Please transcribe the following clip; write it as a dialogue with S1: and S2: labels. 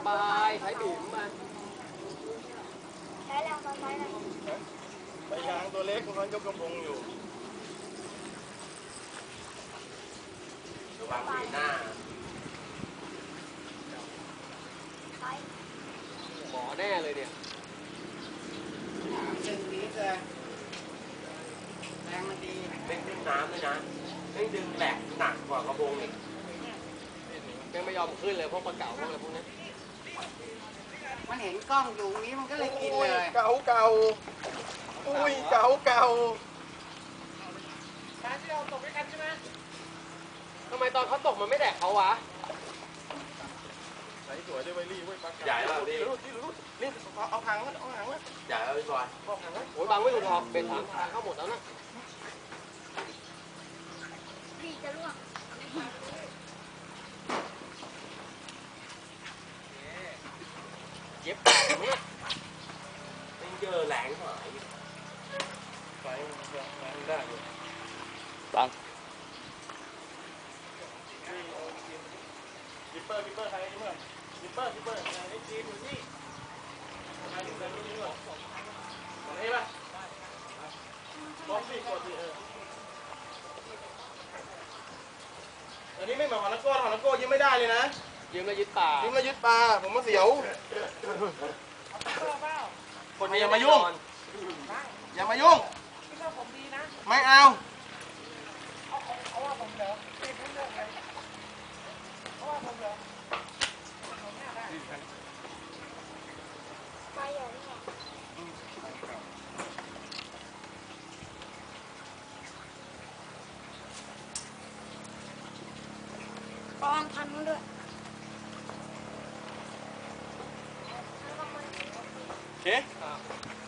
S1: บายใช้บีมมา
S2: ใช้แรงตอนใช้อะไร
S3: ไปยางตัวเล็กมันยกกระพงอยู่ระวังปีหน้า
S1: หมอแน่เลยเนี่ย
S3: ดึงนี้เลยแรงมันดีเป็นดึงน้ำด้วยนะไม่ดึงแหลกหนักกว่ากระพงอีก
S1: ยังไม่ยอมขึ้นเลยพวกปลาเก๋าพวกอะไรพวกนี้
S4: มันเห็นกล้องอยู่นี้มันก็เลยกินเลย
S3: เก่าอุ้ยเก่า
S1: การที่เราตกด้วยกันใช่ไหมทำไมตอนเขาตกมันไม่แดกเขาวะ
S3: ใส่สวยด้วยไวรี่เว้ยปลาใหญ่แล้วดินี่เอาหางมันใหญ่แล้วพี่บอย
S1: โอ้ยบางไม่ถูกหรอกเป็นทางเข้าหมดแล้วนะ
S2: พี่จะล่วง
S1: เย็บปากมั้ง
S3: ไม่เจอแหลงหายไฟแรงได้เลย
S1: บัง
S3: กิปเปอร์ใครนี่เมื่อกิปเปอร์ไอ้จีนอยู่นี่ใครอยู่ในรุ่นนี้หรอของนี้ป่ะบอสซี่กดสิอันนี้ไม่เหมือนของนักโก้ยิ้มไม่ได้เลยนะ
S1: ยืมแล้วยึดป่า
S3: ยิ้มแล้วยึดปลาผมมาเสียวคนนี้อย่ามายุ่งไม่เอา
S2: ไปอย่างนี้ปองพันด้วย
S3: โอเค